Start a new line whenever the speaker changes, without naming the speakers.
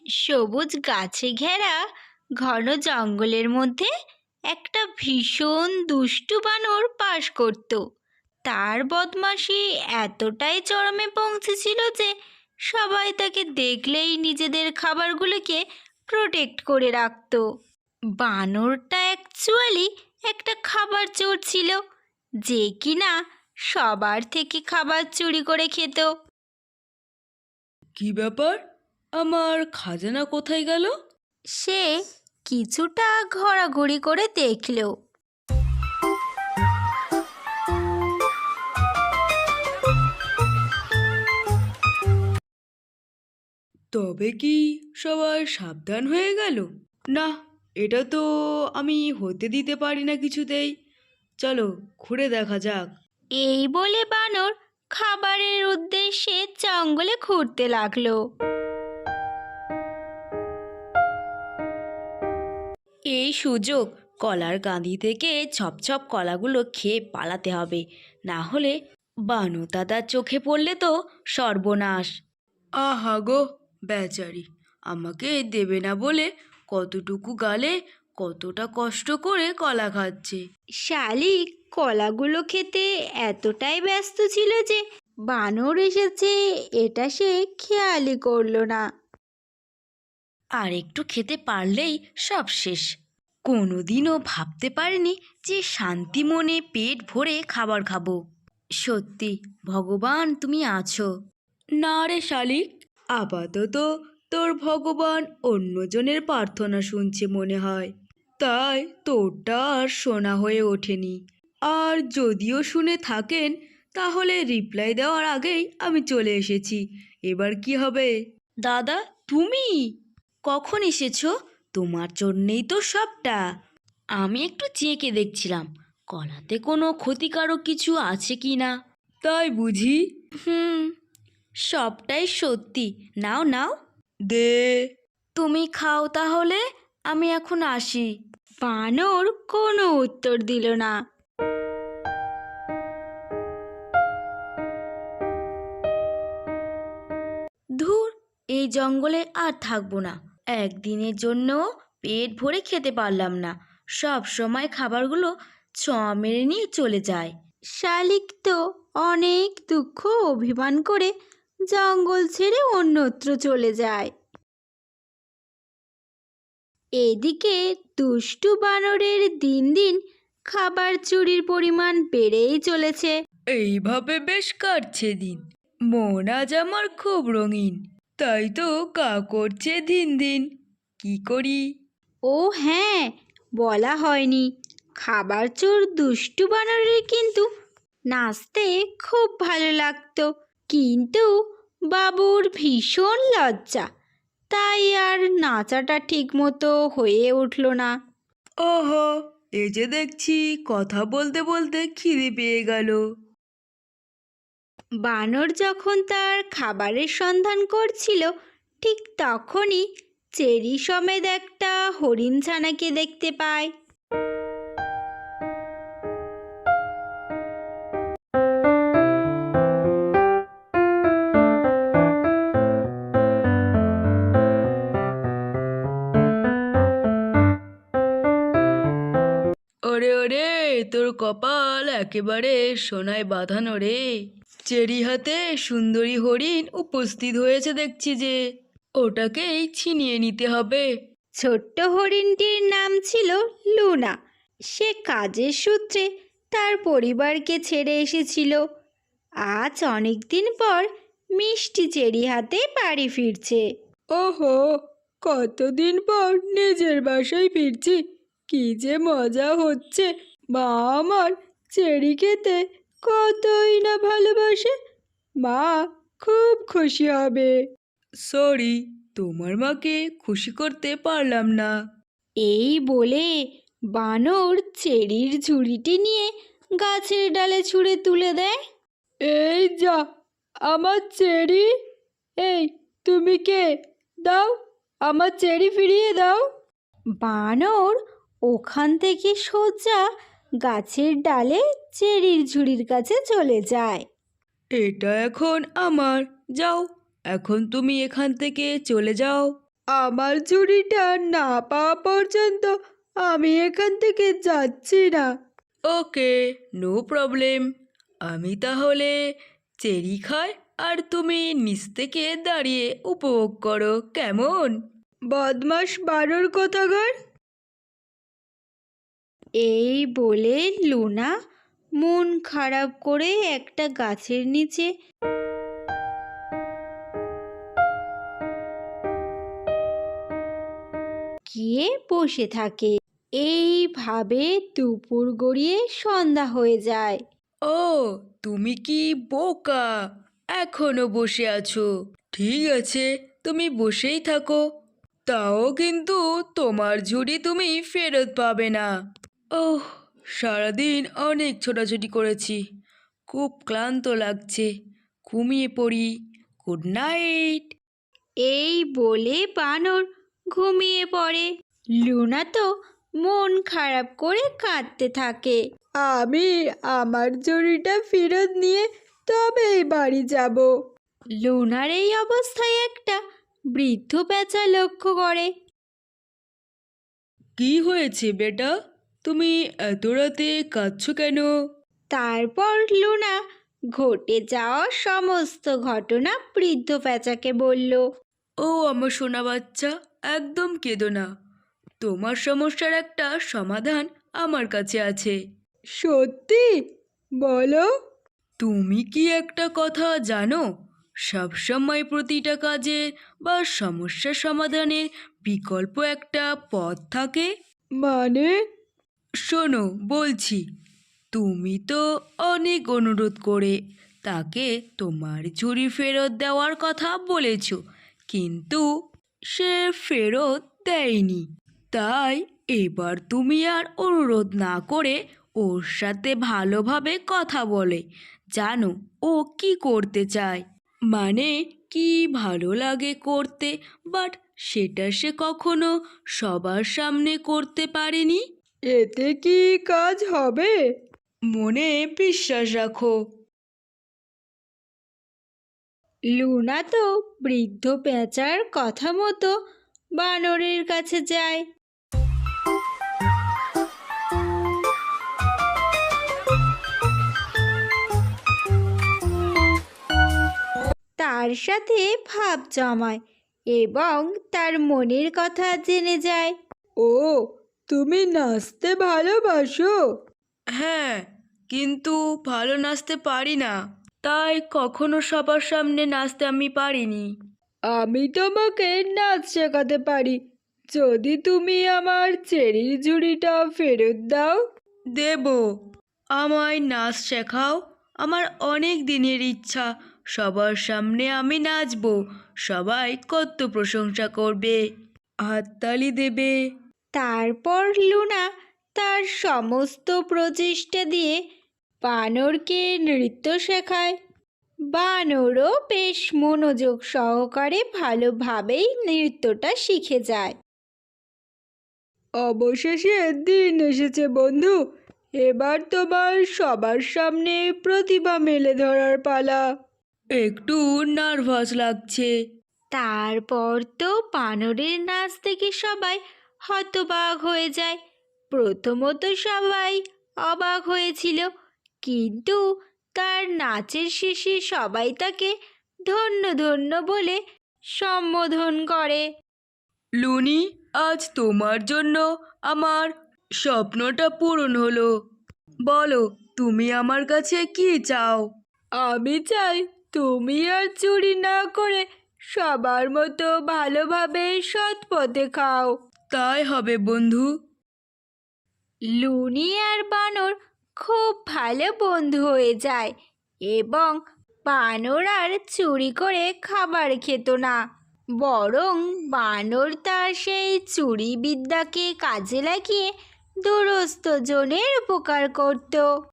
সবুজ গাছে ঘেরা ঘন জঙ্গলের মধ্যে একটা ভীষণ দুষ্টু বানর বাস করত। তার বদমাশি এতটাই চরমে পৌঁছেছিল যে সবাই তাকে দেখলেই নিজেদের খাবারগুলোকে প্রোটেক্ট করে রাখতো। বানরটা অ্যাকচুয়ালি একটা খাবার চোর ছিল, যে কিনা সবার থেকে খাবার চুরি করে খেত।
কি ব্যাপার? আমার খাজানা কোথায় গেল?
সে কিছুটা ঘোরাঘুরি করে দেখল।
তবে কি সবাই সাবধান হয়ে গেল? না, এটা তো আমি হতে দিতে পারি না কিছুতেই। চলো ঘুরে দেখা যাক।
এই বলে বানর খাবারের উদ্দেশ্যে জঙ্গলে ঘুরতে লাগলো।
এই সুযোগ কলার গাঁদি থেকে ছপ কলাগুলো খেয়ে পালাতে হবে, না হলে বানু দাদার চোখে পড়লে তো সর্বনাশ। আহা গো বেচারি, আমাকে দেবে না বলে কতটুকু গালে কতটা কষ্ট করে কলা খাচ্ছে।
শালিক কলাগুলো খেতে এতটাই ব্যস্ত ছিল যে বানর এসেছে এটা সে খেয়ালই করলো না।
আর একটু খেতে পারলেই সব শেষ। কোনোদিনও ভাবতে পারিনি যে শান্তি মনে পেট ভরে খাবার খাবো। সত্যি ভগবান তুমি আছো। না রে শালিক, আপাতত তোর ভগবান অন্যজনের প্রার্থনা শুনছে মনে হয়, তাই তোরটা আর শোনা হয়ে ওঠেনি। আর যদিও শুনে থাকেন তাহলে রিপ্লাই দেওয়ার আগেই আমি চলে এসেছি। এবার কি হবে? দাদা তুমি কখন এসেছো? তোমার জন্যেই তো সবটা। আমি একটু চেকে দেখছিলাম কলাতে কোনো ক্ষতিকারক কিছু আছে কি না। তাই বুঝি? হুম, সবটাই সত্যি। নাও নাও, দে। তুমি খাও তাহলে, আমি এখন আসি।
বানর কোনো উত্তর দিল না।
ধুর, এই জঙ্গলে আর থাকবো না। একদিনের জন্য পেট ভরে খেতে পারলাম না, সব সময় খাবারগুলো ছ মেরে নিয়ে চলে যায়।
শালিক তো অনেক দুঃখ অভিমান করে জঙ্গল ছেড়ে অন্যত্র চলে যায়। এদিকে দুষ্টু বানরের দিন দিন খাবার চুরির পরিমাণ বেড়েই চলেছে।
এইভাবে বেশ কাটছে দিন। মন আজ আমার খুব রঙিন, তাই তো কা করছে দিন দিন। কি করি?
ও হ্যাঁ, বলা হয়নি, খাবার চোর দুষ্টু বানরের কিন্তু নাচতে খুব ভালো লাগতো। কিন্তু বাবুর ভীষণ লজ্জা, তাই আর নাচাটা ঠিক মতো হয়ে উঠল না।
ওহো, এই যে দেখছি কথা বলতে বলতে খিদে পেয়ে গেল।
বানর যখন তার খাবারের সন্ধান করছিল ঠিক তখনই চেরি সমেত একটা হরিণ ছানাকে দেখতে পায়।
ওরে ওরে, তোর কপাল একেবারে সোনায় বাঁধানো রে। চেরি হাতে সুন্দরী হরিণ উপস্থিত হয়েছে দেখছি যে, ওটাকেই ছিনিয়ে নিতে হবে।
ছোট্ট হরিণটির নাম ছিল লুনা। সে কাজের সূত্রে তার পরিবারকে ছেড়ে এসেছিল। আজ অনেক দিন পর মিষ্টি চেরি হাতে বাড়ি ফিরছে।
ওহো, কতদিন পর নিজের বাসায় ফিরছি, কি যে মজা হচ্ছে। মা আমার চেরি খেতে কতই না ভালোবাসে, মা খুব খুশি হবে। সরি, তোমার মাকে খুশি করতে পারলাম না।
এই বলে বানর চেরির ঝুড়িটি নিয়ে গাছের ডালে ছুঁড়ে তুলে দেয়।
এই যা আমার চেরি। এই তুমি কে? দাও, আমার চেরি ফিরিয়ে দাও।
বানর ওখান থেকে সোজা গাছের ডালে চেরির ঝুড়ির কাছে চলে যায়।
এটা এখন আমার, যাও, এখন তুমি এখান থেকে চলে যাও।
আমার ঝুড়িটা না পাওয়া পর্যন্ত আমি এখান থেকে যাচ্ছি না।
Okay, no problem. আমি তাহলে চেরি খাই আর তুমি নিচ থেকে দাঁড়িয়ে উপভোগ করো, কেমন?
বদমাস বানর কোথাকার!
এই বলে লুনা মন খারাপ করে একটা গাছের নিচে গিয়ে বসে থাকে। এইভাবে দুপুর গড়িয়ে সন্ধ্যা হয়ে যায়।
ও, তুমি কি বোকা, এখনো বসে আছো? ঠিক আছে, তুমি বসেই থাকো। তাও কিন্তু তোমার ঝুড়ি তুমি ফেরত পাবে না। ওহ, সারাদিন অনেক ছোটাছুটি করেছি, খুব ক্লান্ত লাগছে, ঘুমিয়ে পড়ি। Good night.
এই বলে বানর ঘুমিয়ে পড়ে। লুনা তো মন খারাপ করে কাঁদতে থাকে।
আমি আমার ঝুড়িটা ফেরত নিয়ে তবেই বাড়ি যাব।
লুনার এই অবস্থায় একটা বৃদ্ধ পেঁচা লক্ষ্য করে।
কি হয়েছে বেটা, তুমি এত রাতে কাঁদছো কেন?
তারপর লুনা ঘটে যাওয়া সমস্ত ঘটনা বৃদ্ধ পেঁচাকে বলল।
ও আমার সোনা বাচ্চা, একদম কেঁদো না। তোমার সমস্যার একটা সমাধান আমার কাছে আছে।
সত্যি? বলো।
তুমি কি একটা কথা জানো, সবসময় প্রতিটা কাজের বা সমস্যা সমাধানের বিকল্প একটা পথ থাকে?
মানে?
শোনো বলছি, তুমি তো অনেক অনুরোধ করে তাকে তোমার ঝুড়ি ফেরত দেওয়ার কথা বলেছ, কিন্তু সে ফেরত দেয়নি। তাই এবার তুমি আর অনুরোধ না করে ওর সাথে ভালোভাবে কথা বলে জানো ও কি করতে চায়, মানে কি ভালো লাগে করতে, বাট সেটা সে কখনো সবার সামনে করতে পারেনি।
এতে কি কাজ হবে?
মনে বিশ্বাস রাখো।
লুনা তো বৃদ্ধ পেঁচার কথা মতো বানরের কাছে যায়। তার সাথে ভাব জমায় এবং তার মনের কথা জেনে যায়।
ও, তুমি নাচতে ভালোবাসো?
হ্যাঁ, কিন্তু ভালো নাচতে পারি না, তাই কখনো সবার সামনে নাচতে আমি পারিনি।
আমি তোমাকে নাচ শেখাতে পারি, যদি তুমি আমার চেরির ঝুড়িটা ফেরত দাও।
দেব, আমায় নাচ শেখাও। আমার অনেক দিনের ইচ্ছা, সবার সামনে আমি নাচবো, সবাই কত প্রশংসা করবে, হাততালি দেবে।
তারপর লুনা তার সমস্ত প্রচেষ্টা দিয়ে বানরকে নৃত্য শেখায়। বানরও বেশ মনোযোগ সহকারে ভালোভাবেই নৃত্যটা শিখে যায়।
অবশেষে দিন এসেছে বন্ধু, এবার তোমার সবার সামনে প্রতিভা মেলে ধরার পালা।
একটু নার্ভাস লাগছে।
তারপর তো বানরের নাচ দেখে সবাই হতবাক হয়ে যায়। প্রথমত সবাই অবাক হয়েছিল, কিন্তু তার নাচের শেষে সবাই তাকে ধন্য ধন্য বলে সম্বোধন করে।
লুনি, আজ তোমার জন্য আমার স্বপ্নটা পূরণ হলো। বলো, তুমি আমার কাছে কি চাও?
আমি চাই তুমি আর চুরি না করে সবার মতো ভালোভাবে সৎ পথে খাও।
তাই হবে বন্ধু।
লুনি আর বানর খুব ভালো বন্ধু হয়ে যায় এবং বানর আর চুরি করে খাবার খেত না, বরং বানর তার সেই চুরি বিদ্যাকে কাজে লাগিয়ে দুরস্ত জনের উপকার করত।